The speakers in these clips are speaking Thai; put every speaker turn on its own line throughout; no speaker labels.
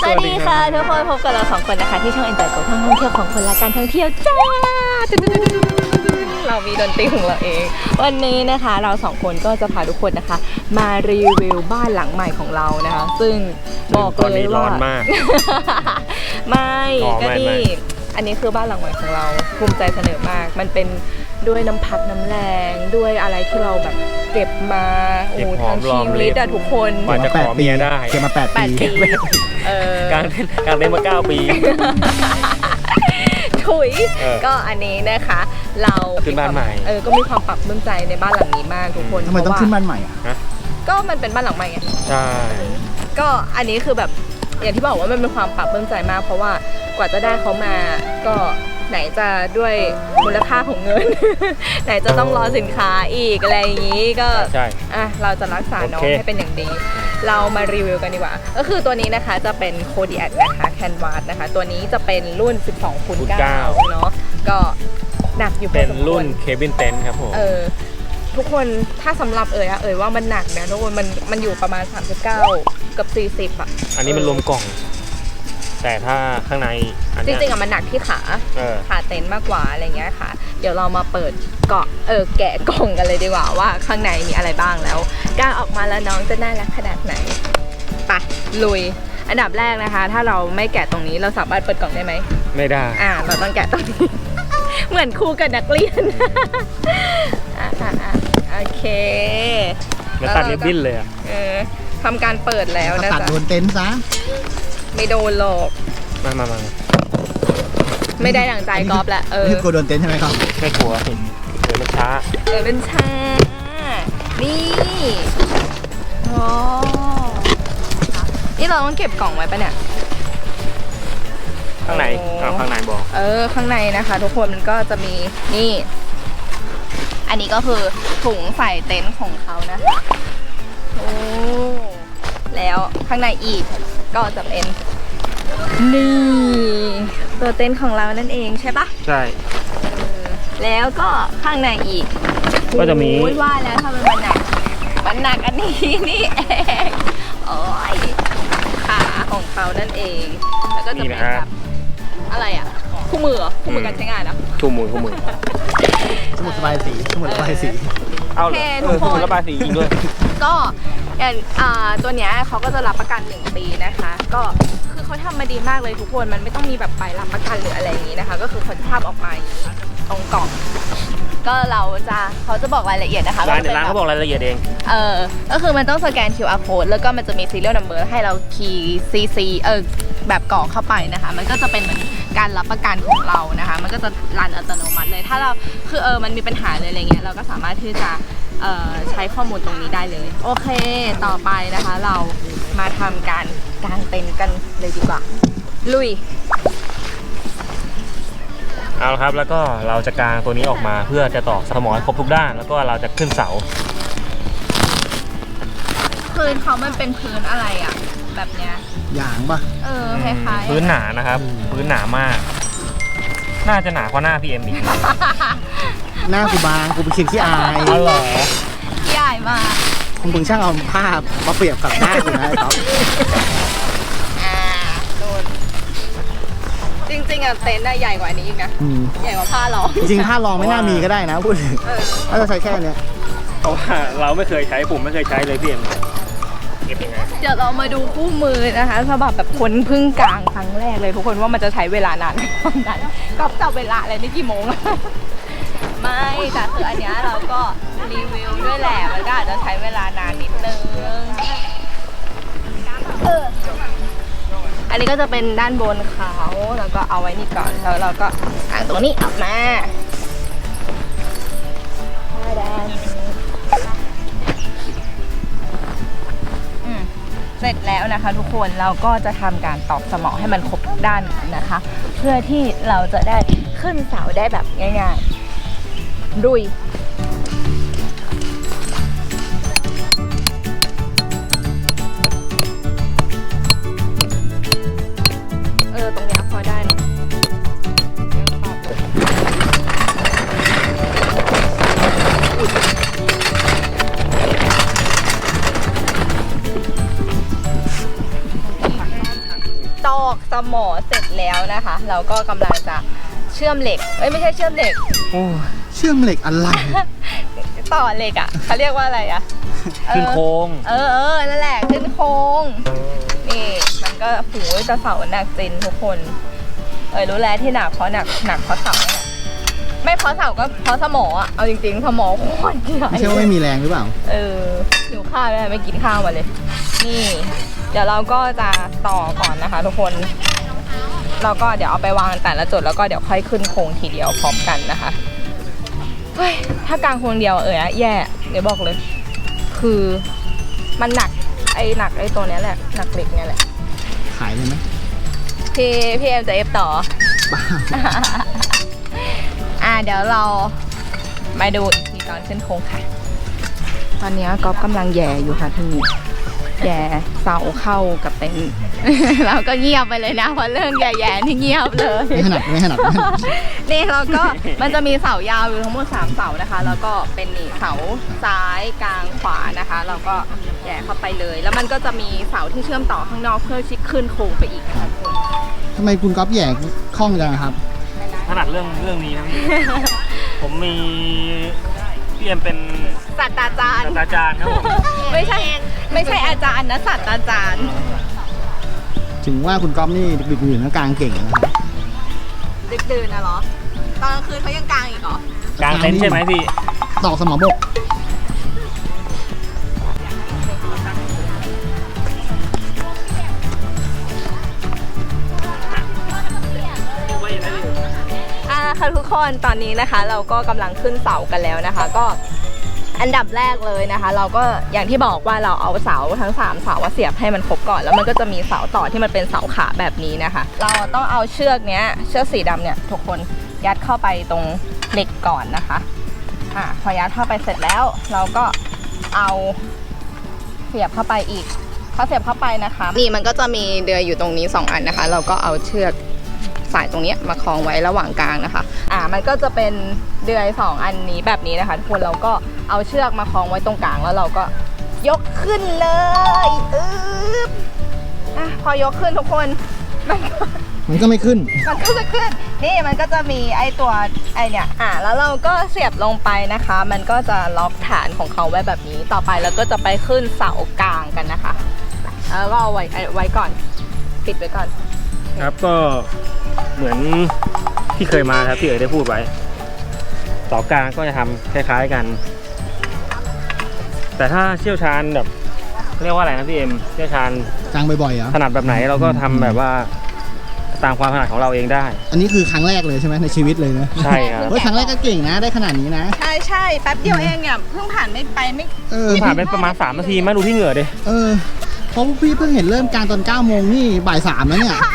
วัสดีค่ะทุกคนพบกับเราสองคนนะคะที่ช่อง Enjoy กับท่องเที่ยวของคนและการท่องเที่ยวจ้าเรามีดนตรีของเราเองวันนี้นะคะเราสองคนก็จะพาทุกคนนะคะมารีวิวบ้านหลังใหม่ของเรานะคะซึ่งบอกเลยว่า
ร้อนมาก
ไม่ก็นี่อันนี้คือบ้านหลังใหม่ของเราภูมิใจเสนอมากมันเป็นด้วยน้ำพักน้ำแรงด้วยอะไรที่เราแบบเก็บมาโอ้ทั้งชีวิตอะทุกคน
กว่าจะขอเมียได้
เก็บมา8 ปี
การเล่นมา9 ปี
ถุยก็อันนี้นะคะเรา
ขึ้นบ้านใหม่
ก็มีความปรับปลื้มใจในบ้านหลังนี้มากทุกคน
ทำไมต้องขึ้นบ้านใหม่อ่ะ
ก็มันเป็นบ้านหลังใหม่ไง
ใช่
ก็อันนี้คือแบบอย่างที่บอกว่ามันเป็นความปรับปลื้มใจมากเพราะว่ากว่าจะได้เขามาก็ไหนจะด้วยมูลค่าของเงิน ไหนจะต้องรอสินค้าอีกอะไรอย่างนี้ก็เราจะรักษาน้องให้เป็นอย่างดีเรามารีวิวกันดีกว่าก็คือตัวนี้นะคะจะเป็นโคดิแอคนะคะแคนวาสนะคะตัวนี้จะเป็นรุ่น 12x9 เนาะก็หนักอยู่
เป็นรุ่นเคบินเต็นท์ครับผม
ทุกคนถ้าสำหรับว่ามันหนักนะทุกคนมันอยู่ประมาณ39กับ40อ่ะ
อันนี้มันรวมกล่องแต่ถ้าข้างใน
จริงๆมันหนักที่ขาเต็นท์มากกว่าอะไรเงี้ยค่ะเดี๋ยวเรามาเปิดแกะกล่องกันเลยดีกว่าว่าข้างในมีอะไรบ้างแล้วก้าวออกมาแล้วน้องจะน่ารักขนาดไหนไปลุยอันดับแรกนะคะถ้าเราไม่แกะตรงนี้เราสามารถเปิดกล่องได้ไหม
ไม่ได้
เราต้องแกะตรงนี้ เหมือนครูกับนักเรียนโอเค
แล้วตัดริบบิ้นเลย
ทำการเปิดแล้วนะจ๊ะ
ตัดโดนเต็นท์ซะ
ไม่โดนหรอก
มา
ไม่ได้ดั่งใจกอล์ฟแหละ
นี่กลัวโดนเต็นท์ใช่ไหมครับ
ไม่กลัวมันช้า
เป็นช้านี่โอ้นี่เราต้องเก็บกล่องไว้ปะเนี่ย
ข้างในข้างในบอก
ข้างในนะคะทุกคนมันก็จะมีนี่อันนี้ก็คือถุงใส่เต็นท์ของเขานะคะโอ้แล้วข้างในอีกก็จะเป็นนี่ตัวเต็นท์ของเรานั่นเองใช่ปะ
ใช่
แล้วก็ข้างในอีก
ก็จะมี
ว่าแล้วทำไมมันหนักอันนี้นี่เองโอ้ยขาของเขานั่นเองแล้วก็จะเป็นแบบอะไรอ่ะคู่มือการใช้งานนะ
คู่มือ
สมุดระบายสี
เอาเลยสมุดระบายสีอีกด้วย
ก็ตัวเนี้ยเขาก็จะรับประกัน1 ปีนะคะก็คือเขาทำมาดีมากเลยทุกคนมันไม่ต้องมีแบบใบรับประกันหรืออะไรอย่างนี้นะคะก็คือคนภาพออกมาตรงกล่องก็เขาจะบอกรายละเอียดนะคะ
ร้านเขาบอกรายละเอียดเอง
ก็คือมันต้องสแกน QR code แล้วก็มันจะมี serial number ให้เราคีย์ CC แบบกรอกเข้าไปนะคะมันก็จะเป็นเหมือนการรับประกันของเรานะคะมันก็จะรันอัตโนมัติเลยถ้าเราคือมันมีปัญหาเลยอะไรเงี้ยเราก็สามารถที่จะใช้ข้อมูลตรงนี้ได้เลยโอเคต่อไปนะคะเรามาทำการกางเต็นท์กันเลยดีกว่าลุย
เอาละครับแล้วก็เราจะกางตัวนี้ออกมาเพื่อจะตอกสมอให้ครบทุกด้านแล้วก็เราจะขึ้นเสา
พื้นเขามันเป็นพื้นอะไรอ่ะแบบเนี้ย
ยางป่ะ
คล้ายๆ
พื้นหนานะครับพื้นหนามากน่าจะหนากว่าหน้าพี่เอ็มอีก
หน้ากูบางกูเป็นคิดที่อาย
เหรอ
ที่อายมาก
คุณมึงช่างเอาภาพมาเปรียบกับหน้ากูนะครับ
จริงๆเต็นท์ใหญ่กว่านี้อีกนะใหญ่กว่าผ้ารอง
จริงๆผ้ารองไม่น่ามีก็ได้นะพูดถึงถ้าจะใช้แค่เนี้ย
เพราะว่าเราไม่เคยใช้ผมไม่เคยใช้เลยพี่เอ็มเก็บยังไง
เดี๋ยวเรามาดูคู่มือนะคะสำหรับแบบคนเพิ่งกางครั้งแรกเลยทุกคนว่ามันจะใช้เวลานานเท่านั้นก็จับเวลาอะไรนี่กี่โมงไม่แต่คืออันนี้เราก็รีวิวด้วยแหละมันก็อาจจะใช้เวลานานนิดนึงอันนี้ก็จะเป็นด้านบนเขาแล้วก็เอาไว้นี่ก่อนแล้วเราก็อ่างตรงนี้ออกมาเสร็จแล้วนะคะทุกคนเราก็จะทำการตอกสมอให้มันครบทุกด้านนะคะเพื่อที่เราจะได้ขึ้นเสาได้แบบง่ายๆดุยตรงนี้พอได้นะตตอกสมอเสร็จแล้วนะคะ เราก็กำลังจะเชื่อมเหล็กไม่ใช่เชื่อมเหล็ก
โอ้เชื่อมเหล็กอะไร
ต่อเหล็กอ่ะเขาเรียกว่าอะไรอ่ะ
ขึ้นโค้ง
นั่นแหละขึ้นโค้งนี่มันก็หูจะเสาหนักจริงทุกคนรู้แล้วที่หนักเพราะเพราะเสาเนี่ยไม่เพราะเสาก็เพราะสมออ่ะเอาจริงๆสมอโคตรใหญ่
ไม่ใช่ว่าไม่มีแรงหรือเปล่า
หิวข้าวไม่กินข้าวมาเลยนี่เดี๋ยวเราก็จะต่อก่อนนะคะทุกคนเราก็เดี๋ยวเอาไปวางแต่ละจุดแล้วก็เดี๋ยวค่อยขึ้นโครงทีเดียวพร้อมกันนะคะเฮ้ยถ้ากลางโครงเดียวแย่เดี๋ยวบอกเลยคือมันหนักไอ้ตัวเนี้ยแหละหนักเหล็กเนี้ยแหละ
ขายเลยไหม
พี่เอ็มจะเอฟต่อ
บ้า
เดี๋ยวเรามาดูอีกทีตอนขึ้นโครงค่ะตอนนี้ก๊อฟกำลังแย่อยู่ค่ะที่แย่เสาเข้ากับเต็นท์ เราก็เงียบไปเลยนะเพราะเรื่องแย่ๆนี่เงียบเลย
ไม่ถนัด
นี่เราก็มันจะมีเสายาวอยู่ทั้งหมด3เสานะคะแล้วก็เป็นนี่เสาซ้ายกลางขวานะคะเราก็แย่เข้าไปเลยแล้วมันก็จะมีเสาที่เชื่อมต่อข้างนอกเพื่อชิดขึ้นโครงไปอีกค่ะทุกคน
ทำไมคุณก๊อฟแหย่คล่องจังครับ
ถนัดเรื่องนี้นะพี่ ผมมีพี่เอ็มเป็น
ศาสตราจารย์
ศาสตราจารย์ครับผม
ไม่ใช่อาจารย์นะศาสตราจารย์
ถึงว่าคุณก๊อฟนี่ดึกๆดื่นๆกลางเก่งนะครับ
ดึกดื่นนะเหรอตอนกลางคืนเขายังกลางอีกเหรอก
ลางเต็นท์ใช่ไหมพี่
ตอกสมอบก
ค่ะทุกคนตอนนี้นะคะเราก็กำลังขึ้นเสากันแล้วนะคะ ก็อันดับแรกเลยนะคะ เราก็อย่างที่บอกว่าเราเอาเสาทั้ง3เสาเสียบให้มันครบก่อนแล้วมันก็จะมีเสาต่อที่มันเป็นเสาขาแบบนี้นะคะ เราต้องเอาเชือกสีดำเนี่ยทุกคนยัดเข้าไปตรงเหล็กก่อนนะคะพอยัดเข้าไปเสร็จแล้วเราก็เอาเสียบเข้าไปอีกพอเสียบเข้าไปนะคะนี่มันก็จะมีเดือยอยู่ตรงนี้2อันนะคะเราก็เอาเชือกสายตรงนี้มาคล้องไว้ระหว่างกลางนะคะมันก็จะเป็นเดือย2อันนี้แบบนี้นะคะทุกคนเราก็เอาเชือกมาคล้องไว้ตรงกลางแล้วเราก็ยกขึ้นเลยพอยกขึ้นทุกคน
มันก็ไม่ขึ้น
มันก็จะขึ้นนี่มันก็จะมีไอตัวเนี่ยแล้วเราก็เสียบลงไปนะคะ มันก็จะล็อกฐานของเขาไว้แบบนี้ต่อไปแล้วก็จะไปขึ้นเสากลางกันนะคะแล้วก็เอาไว้ก่อนปิดไว้ก่อน
ครับก็เหมือนที่เคยมาครับที่ได้พูดไว้เสากลางก็จะทำคล้ายๆกัน แต่ถ้าเชี่ยวชาญแบบเรียกว่าอะไรนะพี่เอ็มเชี่ยวชาญ
กลางบ่อยๆเหรอ
ถนัดแบบไหนเราก็ทำแบบว่าตามความถนัดของเราเองได้
อันนี้คือครั้งแรกเลยใช่ไหมในชีวิตเลยนะ
ใช่ครับ
ครั้งแรกก็เก่งนะได้ขนาดนี้นะ
ใช่แป๊บเดียวเองเพิ่งผ่านไม่
ผ่านไปประมาณ3 นาทีมาดูที่เหงื่อดิ
เพราะพี่เพิ่งเห็นเริ่มการตอน9 โมงนี่บ่าย 3แล้วเนี่ย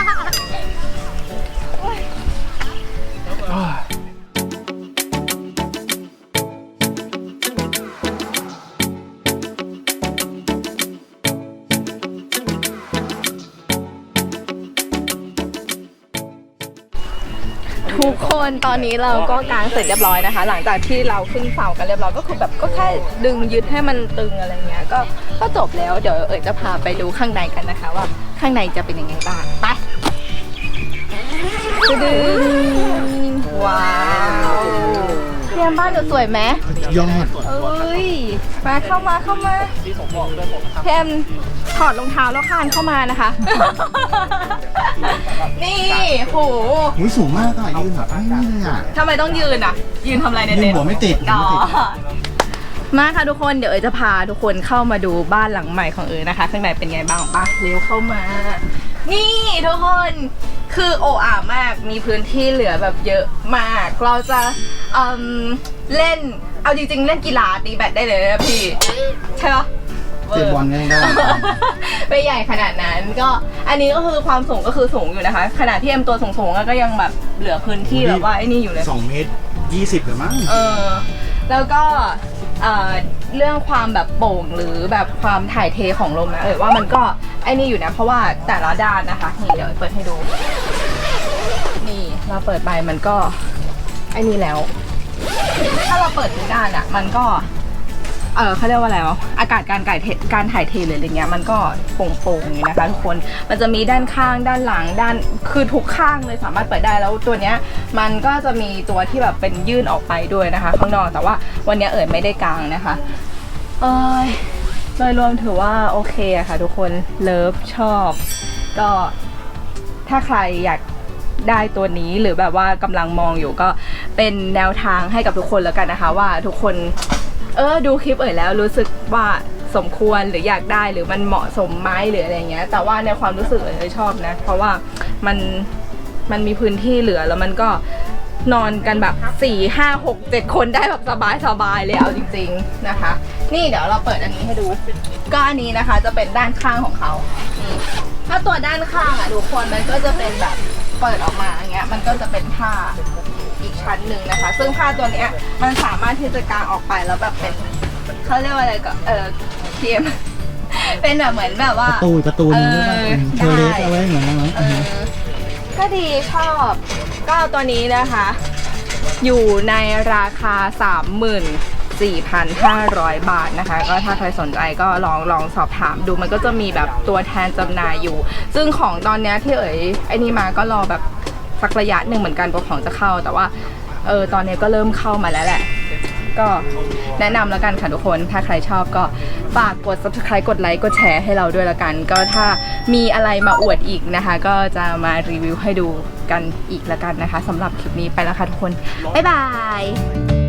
ทุกคนตอนนี้เราก็กางเสร็จเรียบร้อยนะคะหลังจากที่เราขึ้นเสากันเรียบร้อยก็คือแบบก็แค่ดึงยึดให้มันตึงอะไรเงี้ยก็จบแล้วเดี๋ยวจะพาไปดูข้างในกันนะคะว่าข้างในจะเป็นยังไงบ้างไปดึงว้าวเรียนบ้านสวยไหม
ยอด
มาเข้ามาแพมถอดรองเท้าแล้วคานเข้ามานะคะนี่โห
สูงมากอ่ะยืนแบบไม่เลยอ่ะ
ทำไมต้องยืนยืนทำอะไรในเต็นท์
หัวไม่ติด
มาค่ะทุกคนเดี๋ยวจะพาทุกคนเข้ามาดูบ้านหลังใหม่ของนะคะข้างในเป็นไงบ้างป่ะเร็วเข้ามานี่ทุกคนคือโอ่ามากมีพื้นที่เหลือแบบเยอะมากเราจะเล่นเอาจริงๆเล่นกีฬาตีแบดได้เลยนะพี่ใช่ปะ
เตะบอลได้
ไม่ใหญ่ขนาดนั้นก็อันนี้ก็คือความสูงก็คือสูงอยู่นะคะขนาดที่เอ็มตัวสูงๆก็ยังแบบเหลือพื้นที่แบบว่าไอ้นี่อยู่เลย
2 เมตร 20หรือมั้ง
แล้วก็เรื่องความแบบโป่งหรือแบบความถ่ายเทของลมนะว่ามันก็ไอ้นี่อยู่นะเพราะว่าแต่ละด้านนะคะนี่เดี๋ยวเปิดให้ดูนี่เราเปิดไปมันก็ไอ้นี่แล้วถ้าเราเปิดทุกด้านมันก็เขาเรียกว่าอะไรวะอากาศการถ่ายเทหรืออะไรเงี้ยมันก็โปร่งๆอยู่นะคะทุกคนมันจะมีด้านข้างด้านหลังด้านคือทุกข้างเลยสามารถเปิดได้แล้วตัวเนี้ยมันก็จะมีตัวที่แบบเป็นยื่นออกไปด้วยนะคะข้างนอกแต่ว่าวันนี้ไม่ได้กางนะคะโดยรวมถือว่าโอเคอะค่ะทุกคนเลิฟชอบก็ถ้าใครอยากได้ตัวนี้หรือแบบว่ากำลังมองอยู่ก็เป็นแนวทางให้กับทุกคนแล้วกันนะคะว่าทุกคนดูคลิปแล้วรู้สึกว่าสมควรหรืออยากได้หรือมันเหมาะสมไหมหรืออะไรเงี้ยแต่ว่าในความรู้สึกชอบนะเพราะว่ามันมีพื้นที่เหลือแล้วมันก็นอนกันแบบ4 5 6 7 คนได้แบบสบายเลยเอาจริงๆนะคะนี่เดี๋ยวเราเปิดอันนี้ให้ดูก็อันนี้นะคะจะเป็นด้านข้างของเขาถ้าตัวด้านข้างทุกคนมันก็จะเป็นแบบเปิดออกมาอย่างเงี้ยมันก็จะเป็นผ้าอีกชั้นหนึ่งนะคะซึ่งผ้าตัวเนี้ยมันสามารถที่จะกางออกไปแล้วแบบเป็นเขาเรียกว่าอะไรก็เทียมเป็นแบบเหมือนแบบว่า
ประตูนึงเทเลสเอาไว้เหมือนนั้น
ก็ดีชอบก็ตัวนี้นะคะอยู่ในราคา 34,500 บาทนะคะก็ถ้าใครสนใจก็ลองสอบถามดูมันก็จะมีแบบตัวแทนจำหน่ายอยู่ซึ่งของตอนนี้ที่ไอ้นี่มาก็รอแบบสักระยะหนึ่งเหมือนกันกว่าของจะเข้าแต่ว่าตอนนี้ก็เริ่มเข้ามาแล้วแหละก็แนะนำแล้วกันค่ะทุกคนถ้าใครชอบก็ฝากกด subscribe กดไลค์กดแชร์ให้เราด้วยละกันก็ถ้ามีอะไรมาอวดอีกนะคะก็จะมารีวิวให้ดูกันอีกละกันนะคะสำหรับคลิปนี้ไปแล้วค่ะทุกคนบ๊ายบาย